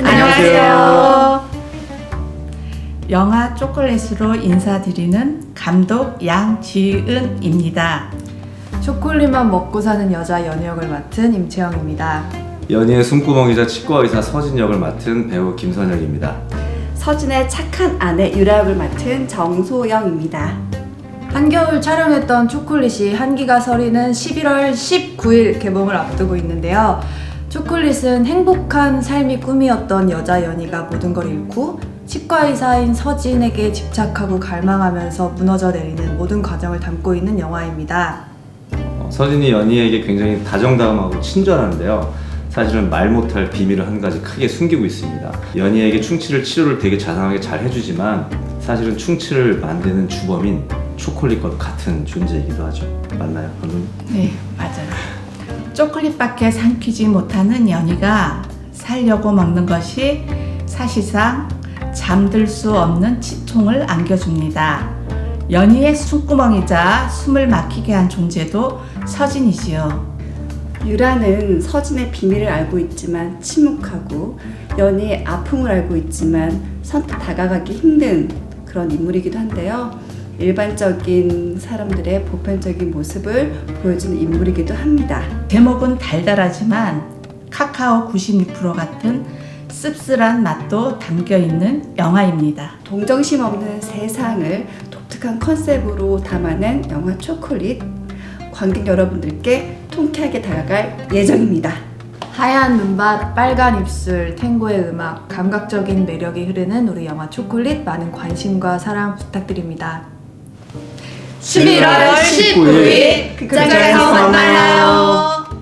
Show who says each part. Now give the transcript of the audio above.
Speaker 1: 안녕하세요. 영화 초콜릿으로 인사드리는 감독 양지은입니다.
Speaker 2: 초콜릿만 먹고 사는 여자 연희 역을 맡은 임채영입니다.
Speaker 3: 연희의 숨구멍이자 치과의사 서진 역을 맡은 배우 김선혁입니다.
Speaker 4: 서진의 착한 아내 유라 역을 맡은 정소영입니다.
Speaker 2: 한겨울 촬영했던 초콜릿이 한기가 서리는 11월 19일 개봉을 앞두고 있는데요. 초콜릿은 행복한 삶이 꿈이었던 여자 연희가 모든 걸 잃고 치과의사인 서진에게 집착하고 갈망하면서 무너져 내리는 모든 과정을 담고 있는 영화입니다.
Speaker 3: 서진이 연희에게 굉장히 다정다감하고 친절한데요. 사실은 말 못할 비밀을 한 가지 크게 숨기고 있습니다. 연희에게 충치를 치료를 되게 자상하게 잘 해주지만 사실은 충치를 만드는 주범인 초콜릿과 같은 존재이기도 하죠. 맞나요, 감독님?
Speaker 1: 네, 맞아요. 초콜릿밖에 삼키지 못하는 연희가 살려고 먹는 것이 사실상 잠들 수 없는 치통을 안겨줍니다. 연희의 숨구멍이자 숨을 막히게 한 존재도 서진이지요.
Speaker 4: 유라는 서진의 비밀을 알고 있지만 침묵하고 연희의 아픔을 알고 있지만 선뜻 다가가기 힘든 그런 인물이기도 한데요. 일반적인 사람들의 보편적인 모습을 보여주는 인물이기도 합니다.
Speaker 1: 제목은 달달하지만 카카오 96% 같은 씁쓸한 맛도 담겨있는 영화입니다.
Speaker 4: 동정심 없는 세상을 독특한 컨셉으로 담아낸 영화 초콜릿, 관객 여러분들께 통쾌하게 다가갈 예정입니다.
Speaker 2: 하얀 눈밭, 빨간 입술, 탱고의 음악, 감각적인 매력이 흐르는 우리 영화 초콜릿 많은 관심과 사랑 부탁드립니다.
Speaker 1: 11월 19일 극장에서 만나요.